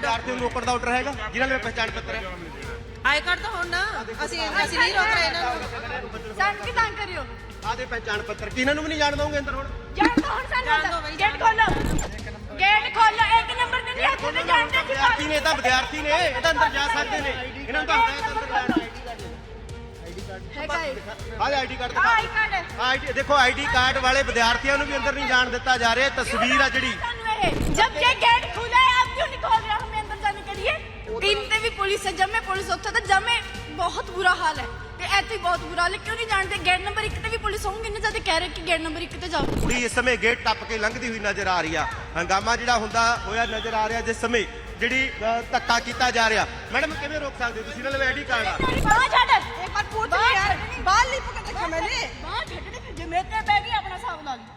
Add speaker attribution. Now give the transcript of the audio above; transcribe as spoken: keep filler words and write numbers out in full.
Speaker 1: ਵਿਦਿਆਰਥੀਆਂ ਨੂੰ ਰੋਕਣ ਦਾ ਆਰਡਰ ਹੈਗਾ ਜਿਨ੍ਹਾਂ ਦੇ ਪਹਿਚਾਣ ਪੱਤਰ ਹੈ?
Speaker 2: ਆਈ ਕਾਰਡ ਤਾਂ ਹੁਣ ਨਾ ਅਸੀਂ ਅਸੀਂ ਨਹੀਂ ਰੋਕ ਰਹੇ ਇਹਨਾਂ ਨੂੰ।
Speaker 3: ਸਾਨੂੰ ਕੀ ਤੰਗ ਕਰਿਓ?
Speaker 1: ਆਦੇ ਪਹਿਚਾਣ ਪੱਤਰ ਕਿਹਨਾਂ ਨੂੰ ਵੀ ਨਹੀਂ ਜਾਣ ਦਵਾਂਗੇ ਅੰਦਰ ਹੁਣ?
Speaker 3: ਜਾਣ ਦੋ ਹੁਣ ਸਾਨੂੰ ਗੇਟ ਖੋਲੋ ਗੇਟ ਖੋਲੋ ਇੱਕ ਨੰਬਰ ਦੇ ਨਹੀਂ ਹੱਥ ਤੇ ਜਾਣ ਦੇ
Speaker 1: ਵਿਦਿਆਰਥੀ ਨੇ ਇਹ ਤਾਂ ਵਿਦਿਆਰਥੀ ਨੇ ਇਹ ਤਾਂ ਅੰਦਰ ਜਾ ਸਕਦੇ ਨੇ ਇਹਨਾਂ ਨੂੰ ਤਾਂ ਹਦਾਇਤ ਅੰਦਰ ਜਾਣ ਦੀ।
Speaker 3: ਹੈਗਾ ਇਹ
Speaker 1: ਆਹ ਆਈਡੀ ਕਾਰਡ
Speaker 3: ਆਹ ਆਈ ਕਾਰਡ ਹੈ।
Speaker 1: ਆਈਡੀ ਦੇਖੋ ਆਈਡੀ ਕਾਰਡ ਵਾਲੇ ਵਿਦਿਆਰਥੀਆਂ ਨੂੰ ਵੀ ਅੰਦਰ ਨਹੀਂ ਜਾਣ ਦਿੱਤਾ ਜਾ ਰਿਹਾ। ਤਸਵੀਰ ਆ ਜਿਹੜੀ
Speaker 3: ਸਾਨੂੰ ਇਹ जब ये गेट खुला है आप क्यों नहीं खोल रहे हमें अंदर जाने के लिए? इन पे भी पुलिस है जब मैं पुलिस होता था जब मैं बहुत बुरा हाल है ਤੇ ਇੱਥੇ ਬਹੁਤ ਬੁਰਾ ਹਾਲ ਹੈ ਕਿਉਂ ਨਹੀਂ ਜਾਣਦੇ? ਗੇਟ ਨੰਬਰ ਇੱਕ ਤੇ ਵੀ ਪੁਲਿਸ ਹੋਊਗੀ ਇੰਨੇ ਜ਼ਿਆਦਾ ਕਹਿ ਰਹੇ ਕਿ ਗੇਟ ਨੰਬਰ ਇੱਕ ਤੇ ਜਾਓ।
Speaker 1: ਕੁੜੀ ਇਸ ਸਮੇਂ ਗੇਟ ਟੱਪ ਕੇ ਲੰਘਦੀ ਹੋਈ ਨਜ਼ਰ ਆ ਰਹੀ ਆ। ਹੰਗਾਮਾ ਜਿਹੜਾ ਹੁੰਦਾ ਹੋਇਆ ਨਜ਼ਰ ਆ ਰਿਹਾ ਜਿਸ ਸਮੇਂ ਜਿਹੜੀ ਧੱਕਾ ਕੀਤਾ ਜਾ ਰਿਹਾ। ਮੈਡਮ ਕਿਵੇਂ ਰੋਕ ਸਕਦੇ ਤੁਸੀਂ? ਇਹਨਾਂ ਦੇ ਆਈਡੀ ਕਾਰਡ ਆ।
Speaker 3: ਬਾਹਰ ਛੱਡ ਇੱਕ ਵਾਰ ਪੁੱਛ ਲੈ ਯਾਰ ਬਾਹਰ ਨਹੀਂ ਪਕੜ ਰੱਖਿਆ ਮੈਨੇ ਬਾਹਰ ਛੱਡ ਦੇ ਜੇ ਮੇਰੇ ਤੇ ਬੈ ਗਈ ਆਪਣਾ ਹਿਸਾਬ ਲਾ ਲਈ।